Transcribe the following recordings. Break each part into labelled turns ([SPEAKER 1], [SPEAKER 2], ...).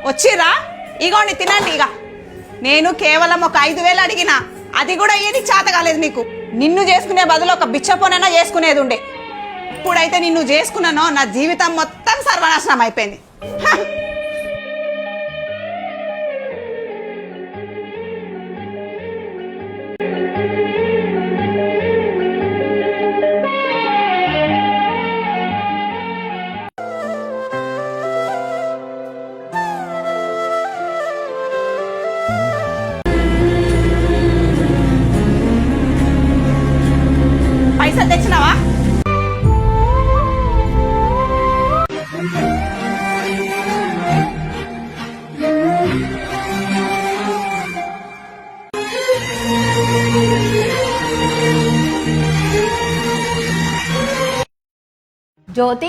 [SPEAKER 1] వచ్చిరా ఇగోండి తినండి. ఇక నేను కేవలం ఒక 5,000 అడిగినా, అది కూడా ఏది చేత కాలేదు నీకు. నిన్ను చేసుకునే బదులు ఒక బిచ్చపోనైనా చేసుకునేది ఉండే. ఇప్పుడైతే నిన్ను చేసుకున్నానో నా జీవితం మొత్తం సర్వనాశనం అయిపోయింది. పైసలు తెచ్చినావా?
[SPEAKER 2] జ్యోతి,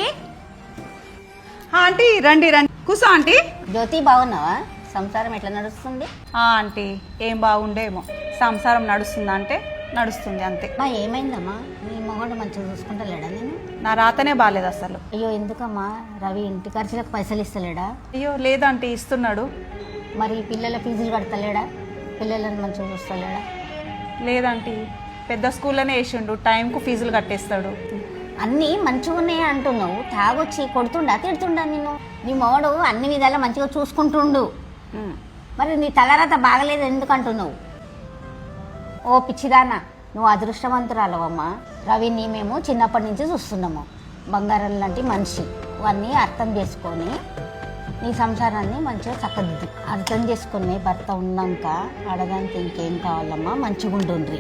[SPEAKER 1] ఆంటీ రండి రండి, కూసో ఆంటీ.
[SPEAKER 2] జ్యోతి బాగున్నావా? సంసారం ఎట్లా నడుస్తుంది?
[SPEAKER 1] ఆంటీ ఏం బాగుండేమో, సంసారం నడుస్తుందా అంటే నడుస్తుంది అంతే.
[SPEAKER 2] మా ఏమైందమ్మా? నీ మొగడు మంచిగా చూసుకుంటలేడా నేను?
[SPEAKER 1] నా రాతనే బాగాలేదు అసలు.
[SPEAKER 2] అయ్యో ఎందుకమ్మా? రవి ఇంటి ఖర్చులకు పైసలు ఇస్తలేడా?
[SPEAKER 1] అయ్యో లేదంటీ, ఇస్తున్నాడు.
[SPEAKER 2] మరి పిల్లల ఫీజులు కడతలేడా? పిల్లలను మంచిగా చూస్తలేడా?
[SPEAKER 1] లేదంటీ, పెద్ద స్కూల్లోనే వేసిండు, టైంకు ఫీజులు కట్టేస్తాడు.
[SPEAKER 2] అన్నీ మంచిగా ఉన్నాయా అంటున్నావు? తాగొచ్చి కొడుతుండా తిడుతుండా నిన్ను? నీ మొగడు అన్ని విధాలా మంచిగా చూసుకుంటుండు, మరి నీ తలరాత బాగలేదు ఎందుకు అంటున్నావు? ఓ పిచ్చిదానా, నువ్వు అదృష్టవంతురాలవమ్మా. రవిని మేము చిన్నప్పటి నుంచి చూస్తున్నాము. బంగారం లాంటి మనిషి. అవన్నీ అర్థం చేసుకొని నీ సంసారాన్ని మంచిగా చక్కదిద్దు. అర్థం చేసుకునే భర్త ఉన్నాక ఆడదానికి ఇంకేం కావాలమ్మా? మంచిగా ఉంటుండ్రి.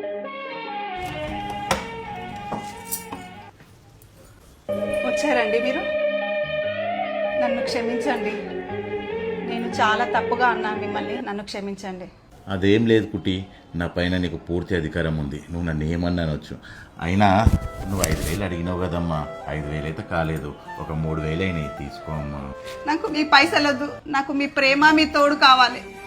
[SPEAKER 1] వచ్చారండి మీరు? నన్ను క్షమించండి, నేను చాలా తప్పుగా అన్నాను మిమ్మల్ని, నన్ను క్షమించండి.
[SPEAKER 3] అదేం లేదు కుట్టి, నా పైన నీకు పూర్తి అధికారం ఉంది, నువ్వు నన్ను ఏమన్నా అనొచ్చు. అయినా నువ్వు 5,000 అడిగినావు కదమ్మా, 5,000 అయితే కాలేదు, ఒక 3,000 అయినాయి, తీసుకోమ్మా.
[SPEAKER 1] నాకు మీ పైసలొద్దు, నాకు మీ ప్రేమ మీ తోడు కావాలి.